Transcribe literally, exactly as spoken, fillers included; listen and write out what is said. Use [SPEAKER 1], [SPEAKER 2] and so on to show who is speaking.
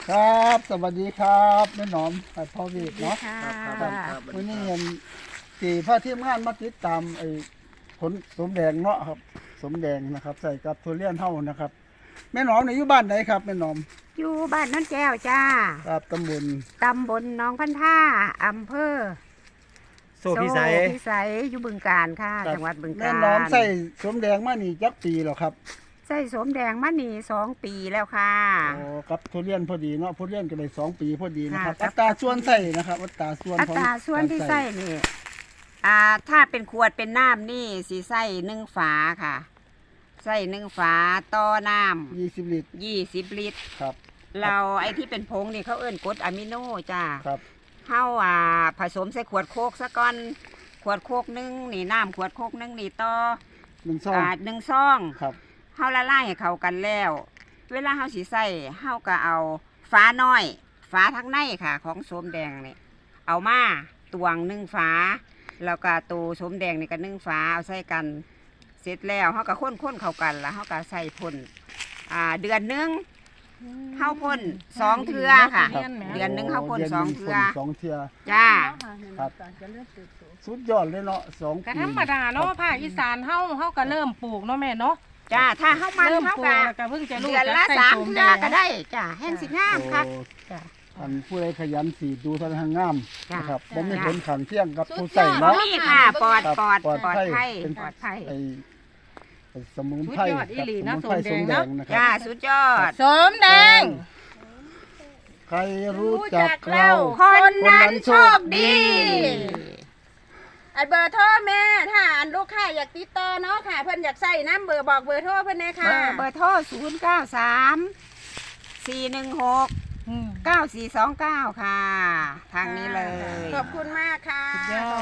[SPEAKER 1] ครับสวัสดีครับแม่หนอมไอ้พ่อวีดเนาะ
[SPEAKER 2] ครับครับ
[SPEAKER 1] ครับ
[SPEAKER 2] ครับ
[SPEAKER 1] วันนี้เห็นสี่พระทีมงานมาติดตามไอ้ผลสมแดงเนาะครับสมแดงนะครับ ใส่กับทุเรียนเท่านะครับแม่หนอมในอยู่บ้านไหนครับแม่หนอม
[SPEAKER 3] อยู่บ้านน้นแก้วจ้า
[SPEAKER 1] ครับตำบล
[SPEAKER 3] ตำบลหนองพันท่าอำเภอ
[SPEAKER 2] โซพิสัย
[SPEAKER 3] โพิสัยอยู่บึงการค่ะ จังหวัดบึงกาฬ
[SPEAKER 1] แม่หนอมใส่สมแดงมานี่จักปีแล้วครับ
[SPEAKER 3] ใส่สมแดงมานี่สองปีแล้วค่ะ
[SPEAKER 1] โอ้กับทุเรียนพอดีเนาะทุเรียนก็เลยสองปีพอดีนะครับ
[SPEAKER 3] ค่ะ
[SPEAKER 1] อัตราส่วนใส่นะครับอัตราส่วน
[SPEAKER 3] อั
[SPEAKER 1] ของ
[SPEAKER 3] ตราส่วนที่ใส่นี่อ่าถ้าเป็นขวดเป็นน้ำนี่สีใส่หนึ่งฝาค่ะ ใส่หนึ่งฝาต่อน้
[SPEAKER 1] ยี่สิบลิตร
[SPEAKER 3] ำยี่สิบลิตร
[SPEAKER 1] ครับ
[SPEAKER 3] เราไอ้ที่เป็นผงนี่เขาเอิ้นกรดอะมิโนจ้า
[SPEAKER 1] ครับ
[SPEAKER 3] เฮาอ่าผสมใส่ขวดโคกซะก่อนขวดโคกหนึงนี่น้ำขวดโคกหนึงนี่ต่อ
[SPEAKER 1] หนึ่งซอง
[SPEAKER 3] อ่าหนึ่งซอง
[SPEAKER 1] ครับ
[SPEAKER 3] เฮาละลายให้เข้ากันแล้ว เวลาเฮาสิใส่เฮาก็เอาฝาน้อยฝาทั้งในค่ะ ของโสมแดงนี่เอามาตวงหนึ่งฝาแล้วก็ตูโสมแดงนี่ก็หนึ่งฝาเอาใส่กัน เสร็จแล้วเฮาก็ข้นๆเข้ากันแล้วเฮาก็ใส่พ่นอ่าเดือนหนึงเฮาพ่นสองเทื่อค่ะ
[SPEAKER 1] ครับ
[SPEAKER 3] เดือนหนึ่งเขาพ่น
[SPEAKER 1] ดืห
[SPEAKER 3] สองเทื่อ
[SPEAKER 1] สองเทื่อ
[SPEAKER 3] จ้า
[SPEAKER 1] ครับ สุดยอดเลยเนาะสอง
[SPEAKER 4] ก็
[SPEAKER 1] ปี
[SPEAKER 4] ธรรมดาเนาะภาคอีสานเฮาเฮาก็เริ่มปลูกเนาะแม่เนาะ
[SPEAKER 3] จ้าถ้าเฮามัน
[SPEAKER 4] เริ่ม
[SPEAKER 3] เฮา
[SPEAKER 4] ปลูก
[SPEAKER 3] ก็
[SPEAKER 4] แล้วก็เพิ่งจะรู้
[SPEAKER 3] เดือน
[SPEAKER 4] จัก
[SPEAKER 3] ละ
[SPEAKER 4] ใส่
[SPEAKER 3] สาม
[SPEAKER 4] โสม
[SPEAKER 3] เทื่
[SPEAKER 4] แด
[SPEAKER 3] อง ก็ได้จ้าแห้งสิงามครับ
[SPEAKER 1] โอ้
[SPEAKER 3] จ้ะ
[SPEAKER 1] อันผู้ใดขยันสีดูท่านทางงาม
[SPEAKER 3] จ้ะ
[SPEAKER 1] นะครับบ่มี
[SPEAKER 3] จ้ะ
[SPEAKER 1] ผลขังเที่ยงกับผู้ใส่เนาะ
[SPEAKER 3] นี่ค่ะปลอด
[SPEAKER 1] ครับ
[SPEAKER 3] ปลอด
[SPEAKER 1] ปลอด
[SPEAKER 3] ปลอด
[SPEAKER 1] ภั
[SPEAKER 3] ภั
[SPEAKER 1] ย
[SPEAKER 3] ย
[SPEAKER 1] เป็น
[SPEAKER 3] ปลอดภัย
[SPEAKER 1] ไอ้ไอ้สมุน
[SPEAKER 4] สุด
[SPEAKER 1] ไพร
[SPEAKER 4] ยอดอีหลี
[SPEAKER 1] ค
[SPEAKER 4] นะ
[SPEAKER 1] รับสมุนไพร
[SPEAKER 4] โส
[SPEAKER 1] ส
[SPEAKER 4] ม
[SPEAKER 1] ม
[SPEAKER 4] แด
[SPEAKER 1] แด
[SPEAKER 4] ง
[SPEAKER 1] ง
[SPEAKER 4] เนาะ
[SPEAKER 1] นะค
[SPEAKER 3] จ้า
[SPEAKER 1] รับ
[SPEAKER 3] สุดยอด
[SPEAKER 4] โสมแดง
[SPEAKER 1] ใครรู้จักเรา
[SPEAKER 3] คนนั้นโชคดี
[SPEAKER 4] อันเบอร์โทรแม่ถ้าอันลูกค้าอยากติดต่อเนาะค่ะเพิ่นอยากใส่น้ำเบอร์บอกเบอร์โทรเพิ่นแน่
[SPEAKER 3] เบ
[SPEAKER 4] ค่ะ
[SPEAKER 3] อร์เบอร์โทรศูนย์เก้าสามสี่หนึ่งหก
[SPEAKER 4] อืม
[SPEAKER 3] เก้าสี่สองเก้าค่ะ ทางนี้เลย
[SPEAKER 4] ขอบคุณมากค่ะสุดยอด